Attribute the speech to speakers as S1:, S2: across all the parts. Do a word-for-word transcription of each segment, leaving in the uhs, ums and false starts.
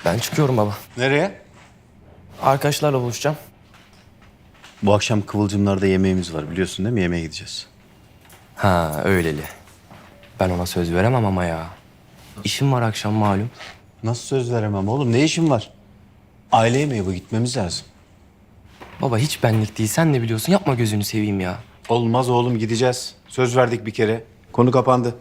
S1: Ben çıkıyorum baba.
S2: Nereye?
S1: Arkadaşlarla buluşacağım.
S2: Bu akşam Kıvılcımlar'da yemeğimiz var biliyorsun değil mi? Yemeğe gideceğiz.
S1: Ha öyleli. Ben ona söz veremem ama ya. İşim var akşam malum.
S2: Nasıl söz veremem oğlum? Ne işin var? Aile yemeği bu, gitmemiz lazım.
S1: Baba hiç benlik değil. Sen ne biliyorsun? Yapma gözünü seveyim ya.
S2: Olmaz oğlum, gideceğiz. Söz verdik bir kere. Konu kapandı.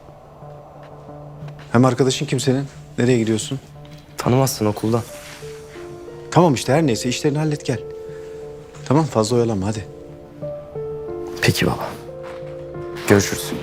S2: Hem arkadaşın kim senin? Nereye gidiyorsun?
S1: Tanımazsın okuldan.
S2: Tamam işte, her neyse işlerini hallet gel. Tamam, fazla oyalanma hadi.
S1: Peki baba. Görüşürüz.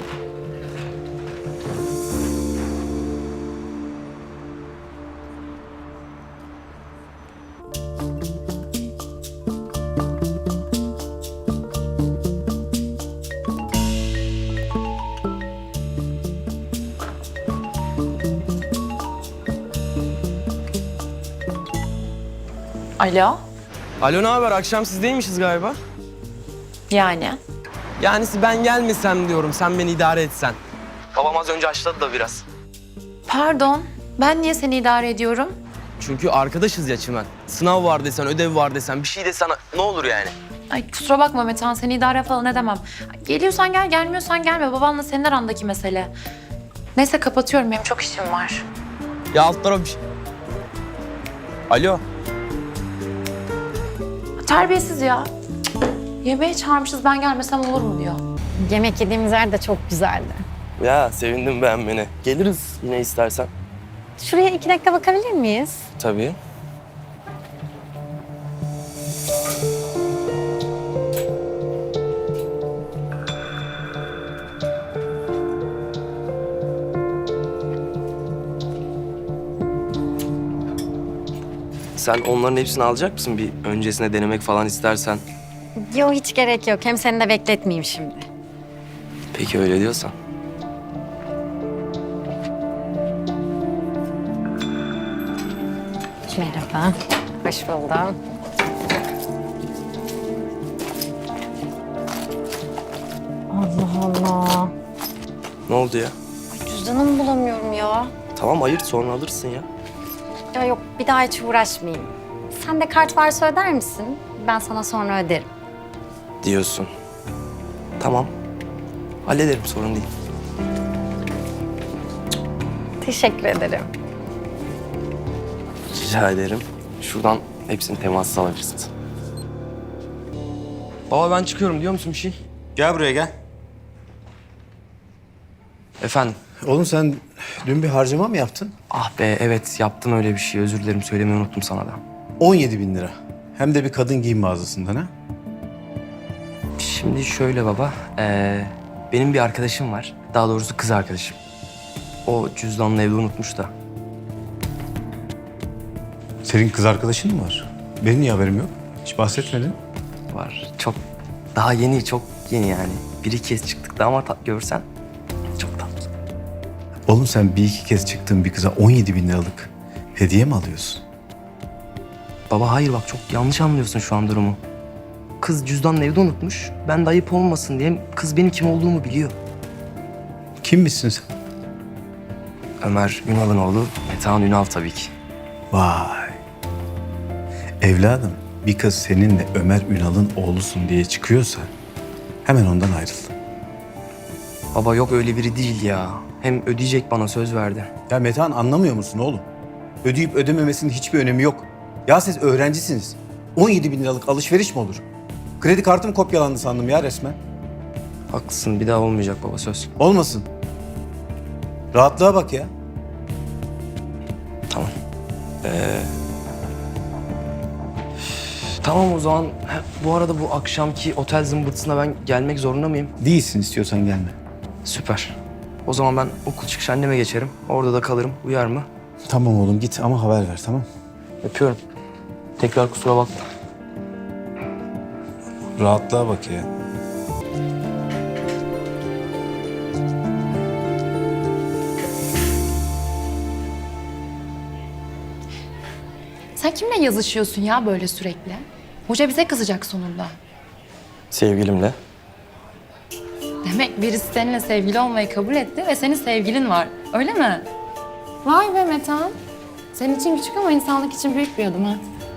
S3: Alo?
S1: Alo ne haber? Akşam sizdeymişiz galiba.
S3: Yani?
S1: Yani ben gelmesem diyorum. Sen beni idare etsen. Babam az önce açladı da biraz.
S3: Pardon, ben niye seni idare ediyorum?
S1: Çünkü arkadaşız ya Çimen. Sınav var desen, ödev var desen, bir şey desen ne olur yani?
S3: Ay kusura bakma Metehan, seni idare falan edemem. Geliyorsan gel, gelmiyorsan gelme. Babanla senin arandaki mesele. Neyse kapatıyorum, benim çok işim var.
S1: Ya alt taraf bir şey... Alo.
S3: Terbiyesiz ya. Cık, yemeğe çağırmışız, ben gelmesem olur mu diyor.
S4: Yemek yediğimiz yer de çok güzeldi.
S1: Ya sevindim beğenmene. Geliriz yine istersen.
S4: Şuraya iki dakika bakabilir miyiz?
S1: Tabii. Sen onların hepsini alacak mısın? Bir öncesine denemek falan istersen.
S4: Yok hiç gerek yok. Hem seni de bekletmeyeyim şimdi.
S1: Peki öyle diyorsan.
S4: Merhaba. Hoş buldum. Allah Allah.
S1: Ne oldu ya?
S4: Cüzdanımı bulamıyorum ya.
S1: Tamam ayırt sonra alırsın ya.
S4: Ya yok bir daha hiç uğraşmayayım. Sen de kart varsa öder misin? Ben sana sonra öderim.
S1: Diyorsun. Tamam. Hallederim sorun değil.
S4: Teşekkür ederim.
S1: Rica ederim. Şuradan hepsini temassız alabilirsiniz. Baba ben çıkıyorum diyor musun bir şey?
S2: Gel buraya gel.
S1: Efendim?
S2: Oğlum sen dün bir harcama mı yaptın?
S1: Ah be evet yaptım öyle bir şey. Özür dilerim söylemeyi unuttum sana da.
S2: on yedi bin lira. Hem de bir kadın giyim mağazasından ha?
S1: Şimdi şöyle baba. ee, benim bir arkadaşım var. Daha doğrusu kız arkadaşım. O cüzdanını evde unutmuş da.
S2: Senin kız arkadaşın mı var? Benim niye haberim yok? Hiç bahsetmedin.
S1: Var. Çok daha yeni, çok yeni yani. Bir iki kez çıktık da ama tat görsen çok tatlı.
S2: Oğlum sen bir iki kez çıktığın bir kıza on yedi bin liralık hediye mi alıyorsun?
S1: Baba hayır bak çok yanlış anlıyorsun şu an durumu. Kız cüzdanını evde unutmuş. Ben de ayıp olmasın diye kız benim kim olduğumu biliyor.
S2: Kimmişsin sen?
S1: Ömer Ünal'ın oğlu Metehan Ünal tabii ki.
S2: Vay. Evladım, bir kız seninle Ömer Ünal'ın oğlusun diye çıkıyorsa hemen ondan ayrıl.
S1: Baba yok öyle biri değil ya. Hem ödeyecek bana söz verdi.
S2: Ya Metehan anlamıyor musun oğlum? Ödeyip ödememesinin hiçbir önemi yok. Ya siz öğrencisiniz. on yedi bin liralık alışveriş mi olur? Kredi kartım kopyalandı sandım ya resmen.
S1: Haklısın bir daha olmayacak baba söz.
S2: Olmasın. Rahatlığa bak ya.
S1: Tamam. Ee, tamam o zaman. Ha, bu arada bu akşamki otel zımbırtısına ben gelmek zorunda mıyım?
S2: Değilsin, istiyorsan gelme.
S1: Süper. O zaman ben okul çıkışı anneme geçerim. Orada da kalırım. Uyar mı?
S2: Tamam oğlum git ama haber ver, tamam?
S1: Öpüyorum. Tekrar kusura bakma.
S2: Rahatlığa bak ya.
S3: Sen kimle yazışıyorsun ya böyle sürekli? Hoca bize kızacak sonunda.
S1: Sevgilimle.
S3: Demek birisi seninle sevgili olmayı kabul etti ve senin sevgilin var. Öyle mi? Vay be Metehan. Senin için küçük ama insanlık için büyük bir adım ha.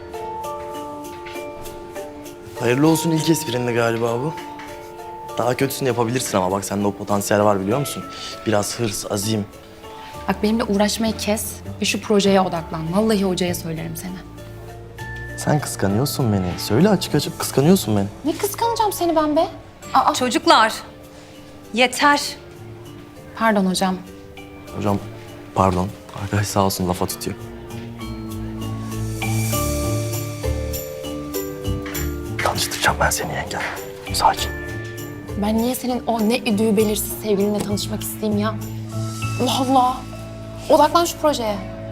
S1: Hayırlı olsun ilk esprinde galiba bu. Daha kötüsünü yapabilirsin ama bak sende o potansiyel var biliyor musun? Biraz hırs, azim.
S3: Bak benimle uğraşmayı kes ve şu projeye odaklan. Vallahi hocaya söylerim seni.
S1: Sen kıskanıyorsun beni. Söyle açık açık kıskanıyorsun beni.
S3: Ne kıskanacağım seni ben be? Aa,
S5: Çocuklar, yeter.
S3: pardon hocam.
S1: Hocam pardon. Arkadaş sağ olsun lafa tutuyor. Tanıştıracağım ben seni yenge. Sakin.
S3: Ben niye senin o ne üdüğü belirsiz sevgilinle tanışmak isteyeyim ya? Allah Allah. Odaklan şu projeye.